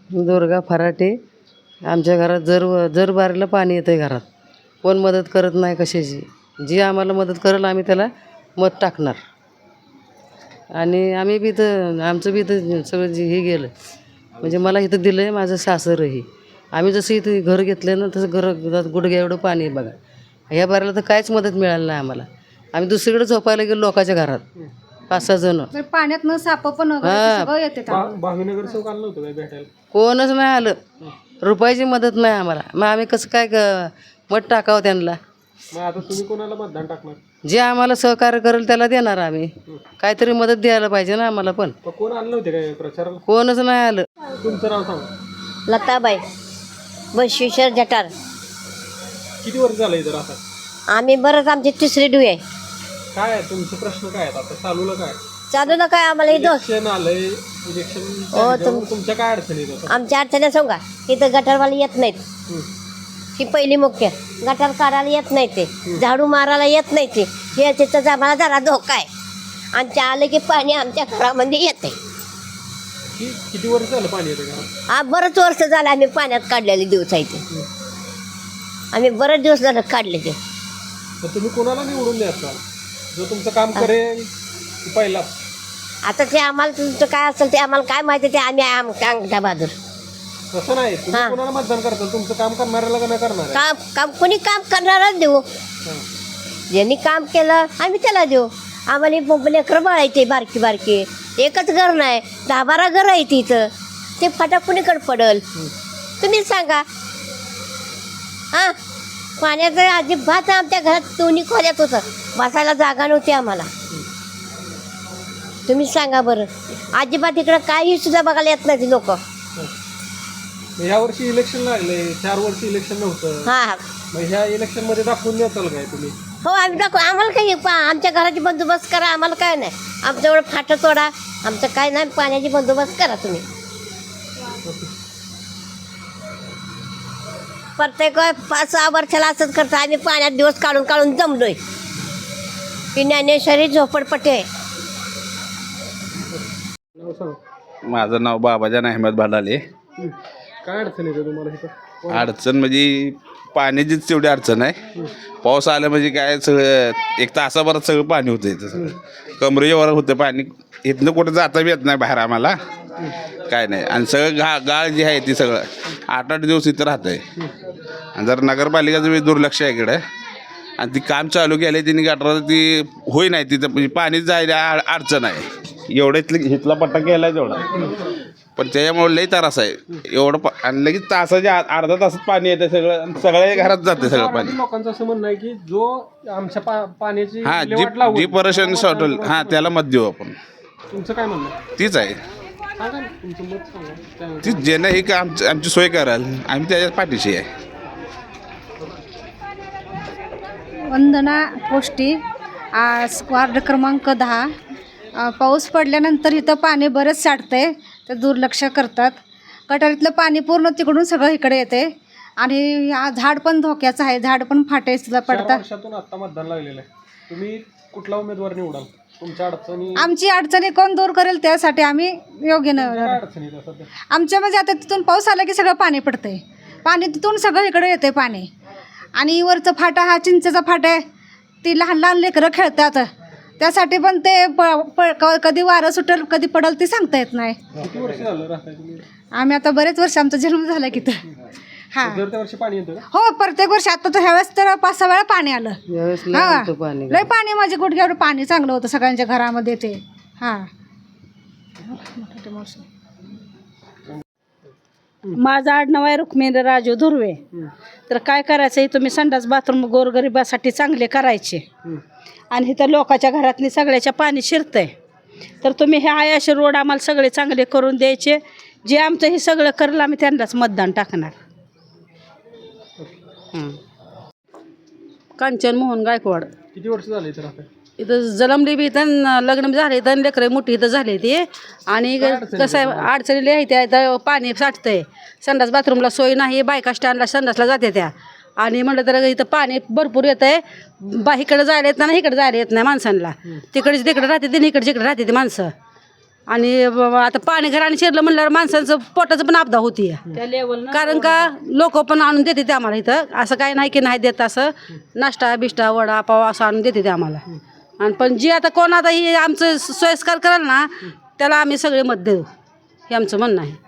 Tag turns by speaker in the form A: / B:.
A: दुर्गा फराटे. आमच्या घरात जर बारीला पाणी येतं आहे घरात. कोण मदत करत नाही कशाची. जी आम्हाला मदत करेल आम्ही त्याला मत टाकणार. आणि आम्ही बी इथं आमचं बी इथं सगळं जे हे गेलं म्हणजे मला इथं दिलं आहे माझं सासरही. आम्ही जसं इथं घर घेतलं ना तसं घरात गुडघ्या एवढं पाणी आहे बघा. ह्या बारीला तर काहीच मदत मिळाली नाही आम्हाला. आम्ही दुसरीकडे झोपायला गेलो लोकांच्या घरात 5-6 जण.
B: पाण्यातनं साप पण सगळं येते
C: भावीनगर चौक आलं नव्हतं काय भेटायला?
A: कोणच नाही आलं. रुपयाची मदत नाही आम्हाला. मग आम्ही कसं काय मत टाकावं त्यांना.
C: मग आता तुम्ही कोणाला मतदान टाकणार?
A: जे आम्हाला सहकार्य करेल त्याला देणार आम्ही. काहीतरी मदत द्यायला पाहिजे ना आम्हाला पण.
C: कोण आलं नव्हते काय प्रचाराला?
A: कोणच नाही आलं.
C: तुमचं नाव सांगा.
D: लताबाई बसवेश्वर जटार.
C: किती वर्ष झालं इथं आता?
D: आम्ही बरंच आमची तिसरी डू आहे.
C: काय आहे तुमचे प्रश्न काय आहेत आता चालूला? काय
D: चालू ना काय आम्हाला इथं
C: इलेक्शन आलंय? इलेक्शन तुमच्या काय अडचणी येतात?
D: आमच्या अडचणी सांगा. इथं गटारवाले येत नाहीत. ही पहिली मुख्य. गटार काढायला येत नाही ते. झाडू मारायला येत नाही ते. हे तिथं आम्हाला जरा धोका आहे. आमच्या आलं की पाणी आमच्या घरामध्ये येते.
C: किती वर्ष झालं पाणी येतं का?
D: हा बरंच वर्ष झालं आम्ही पाण्यात काढलेले दिवस आहे ते. आम्ही बरेच दिवस झालं काढले ते.
C: तर तुम्ही कोणाला निवडून द्यायचा जो तुमचं काम करेल पहिला?
D: आता ते आम्हाला तुमचं काय असेल ते आम्हाला काय माहिती ते आम्ही अंगठा बहादूर.
C: तसं नाही. तुम्ही कोणाला मतदान करताल? तुमचं काम करणाऱ्याला का नाही करणार?
D: काम कोणी काम करणारच देऊ. ज्यांनी काम केलं आम्ही त्याला देऊ. आम्हाला लेकरं बाळायचे बारकी बारकी. एकच घर नाही 10-12 घर आहे तिथं. ते फाटा कुणीकडे पडल तुम्ही सांगा. हां पाण्याचं अजिबात आमच्या घरात दोन्ही खोल्यात होतं. बसायला जागा नव्हती आम्हाला. तुम्ही सांगा बरं. अजिबात इकडं काही सुद्धा बघायला येत नाही लोक.
C: ह्या वर्षी इलेक्शन लागले. 4 वर्ष इलेक्शन नव्हतं.
D: हां
C: मग ह्या इलेक्शन मध्ये दाखवून देताल काय तुम्ही?
D: हो आम्ही दाखवू. आम्हाला काही आमच्या घराची बंदोबस्त करा. आम्हाला काय नाही. आमच्यावर फाटं तोडा. आमचं काय नाही. पाण्याची बंदोबस्त करा तुम्ही. प्रत्येक 5-6 वर्षाला असंच करतो आम्ही. पाण्यात दिवस काढून काढून जमलोय. ही ज्ञानेश्वरी झोपडपट्टी आहे.
C: नाव सांगा.
E: माझं नाव बाबाजान अहमद भाडाले.
C: काय अडचण येते तुम्हाला इथं?
E: अडचण म्हणजे पाण्याचीच तेवढी अडचण आहे. पाऊस आलं म्हणजे काय सगळं 1 तासाभरात सगळं पाणी होतं इथं. सगळं कमरेवर होतं पाणी. इथनं कुठं जाता बी येत नाही बाहेर आम्हाला. काय नाही. आणि सगळं गाळ जी आहे ती सगळं 8-8 दिवस इथं राहतं आहे. आणि जर नगरपालिकेचं बी दुर्लक्ष आहे इकडं. आणि ती काम चालू केलं तिने गटारात ती होई नाही तिथं म्हणजे पाणी जायला अडचण आहे. एवढं इथला पट्टा केला आहे तेवढा. पण त्याच्यामुळे लई त्रास आहे एवढं. आणि लगेच तासाच्या अर्धा तासात पाणी येतं सगळं. सगळ्या घरात जाते सगळं पाणी.
C: लोकांचं असं म्हणणं आहे की जो आमच्या पाण्याची
E: हां
C: विल्हेवाट लावून
E: जी पर्शन शॉटल हां त्याला मत देऊ आपण.
C: तुमचं काय म्हणणं आहे?
E: तीच आहे.
C: सांगा ना, तुमचं मत सांगा.
E: ती ज्यानं ही का आमची सोय कराल आम्ही त्याच्या पाठीशी आहे.
B: वंदना पोष्टी वार्ड क्रमांक 10. पाऊस पडल्यानंतर इथं पाणी बरंच साठतंय. तर दुर्लक्ष करतात. गटारीतलं पाणी पूर्ण तिकडून सगळं इकडे येते. आणि झाड पण धोक्याचं आहे. झाड पण फाटे सुद्धा
C: 4
B: पडतात.
C: वर्षातून आता मतदान लागलेलं आहे. तुम्ही कुठला उमेदवार निवडाल? तुमच्या अडचणी
B: आमची अडचणी कोण दूर करेल त्यासाठी आम्ही योग्य
C: काय अडचणी येतात सध्या?
B: आमच्या म्हणजे आता तिथून पाऊस आला की सगळं पाणी पडतंय. पाणी तिथून सगळं इकडे येते पाणी. आणि वरचं फाटा हा चिंचेचा फाटा आहे. ती लहान लहान लेकरं खेळतात. त्यासाठी पण ते कधी वारं सुटेल कधी पडेल ते सांगता येत नाही.
C: किती वर्ष झालं राहताय तुम्ही?
B: आम्ही आता बरेच वर्ष आमचा जन्म झाला की तर. हां
C: दर त्या वर्षी पाणी येतं का?
B: हो प्रत्येक वर्षी. आता तर ह्यावेळेस तर 5-6 वेळा पाणी आलं.
A: यावेळेस लय
B: हां
A: होतं पाणी.
B: लय पाणी. माझे गुडघ्यावर पाणी चांगलं होतं सगळ्यांच्या घरामध्ये ते. हां
F: माझं आडनाव आहे रुक्मिणी राजू धुर्वे. तर काय करायचं आहे तुम्ही संडास बाथरूम गोरगरिबासाठी चांगले करायचे. आणि इथं लोकांच्या घरातली सगळ्याच्या पाणी शिरतंय. तर तुम्ही हे आयाशी रोड आम्हाला सगळे चांगले करून द्यायचे. जे आमचं हे सगळं करेल आम्ही त्यांनाच मतदान टाकणार.
A: कांचन मोहन गायकवाड.
C: किती वर्ष झाले इथं राहताय?
A: इथं जन्मली बी इथं लग्न बी झाले इथं लेकरं मोठी इथं झाली ती. आणि कसं आहे अडचणीला आहे त्या इथं पाणी साठतंय. संडास बाथरूमला सोय नाही. बायका स्टँडला संडासला जाते त्या. आणि म्हटलं तर इथं पाणी भरपूर येतं आहे. इकडं जायला येत नाही इकडे जायला येत नाही माणसांना. तिकडे राहते ते इकडे जिकडे राहते ती माणसं.
F: आणि आता पाणी घराने शिरलं म्हणल्यावर माणसांचं पोटाचं पण आपदा होती कारण का लोक पण आणून देते ते आम्हाला इथं असं काही नाही की नाही देत असं नाश्ता बिष्टा वडा पाव असं आणून देते ते आम्हाला आणि पण जे आता कोण आता ही आमचं सोयस्कर कराल ना त्याला आम्ही सगळे मत देऊ हे आमचं म्हणणं आहे.